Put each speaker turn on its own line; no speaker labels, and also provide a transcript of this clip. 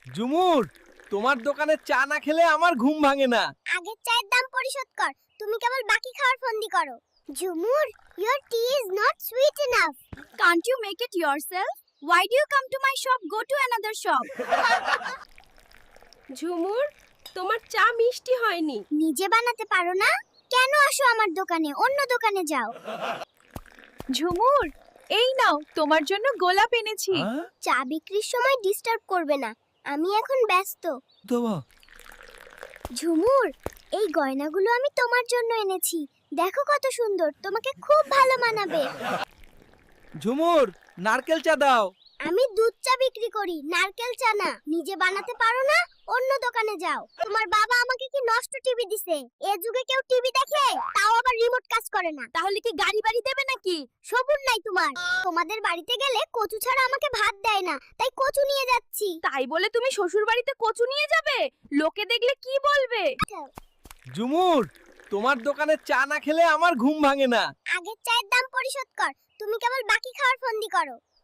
ঝুমুর, তোমার দোকানে চা না খেলে আমার ঘুম ভাঙে না।
আগের চায়ের দাম পরিশোধ কর, তুমি কেবল বাকি খাওয়ার ফন্দি করো। ঝুমুর, your tea is not sweet enough.
Can't you make it yourself? Why do you come to my shop? Go to another shop.
ঝুমুর, তোমার চা মিষ্টি হয়নি।
নিজে বানাতে পারো না? কেন আসো আমার দোকানে? অন্য দোকানে যাও।
ঝুমুর, এই নাও তোমার জন্য গোলাপ এনেছি।
চা বিক্রির সময় ডিস্টার্ব করবে না, আমি এখন ব্যস্ত।
দেবা
ঝুমুর, এই গয়নাগুলো আমি তোমার জন্য এনেছি। দেখো কত সুন্দর, তোমাকে খুব ভালো মানাবে।
ঝুমুর, নারকেল চা দাও।
আমি দুধ চা বিক্রি করি, নারকেল চা না। নিজে বানাতে পারো না? অন্য দোকানে যাও। তোমার বাবা আমাকে কি নষ্ট টিভি দিছে? এ যুগে কেউ টিভি দেখে? তাও আবার রিমোট কাজ করে না।
তাহলে কি গাড়ি বাড়ি দেবে নাকি?
সবুর নাই তোমার। তোমাদের বাড়িতে গেলে কচু ছাড়া আমাকে ভাত দেয় না, তাই কচু নিয়ে যাচ্ছি।
তাই বলে তুমি শ্বশুর বাড়িতে কচু নিয়ে যাবে? লোকে দেখলে কি বলবে?
ঝুমুর, তোমার দোকানে চা না খেলে আমার ঘুম ভাঙে না।
আগের চায়ের দাম পরিশোধ কর, তুমি কেবল বাকি খাওয়ার ফন্দি করো।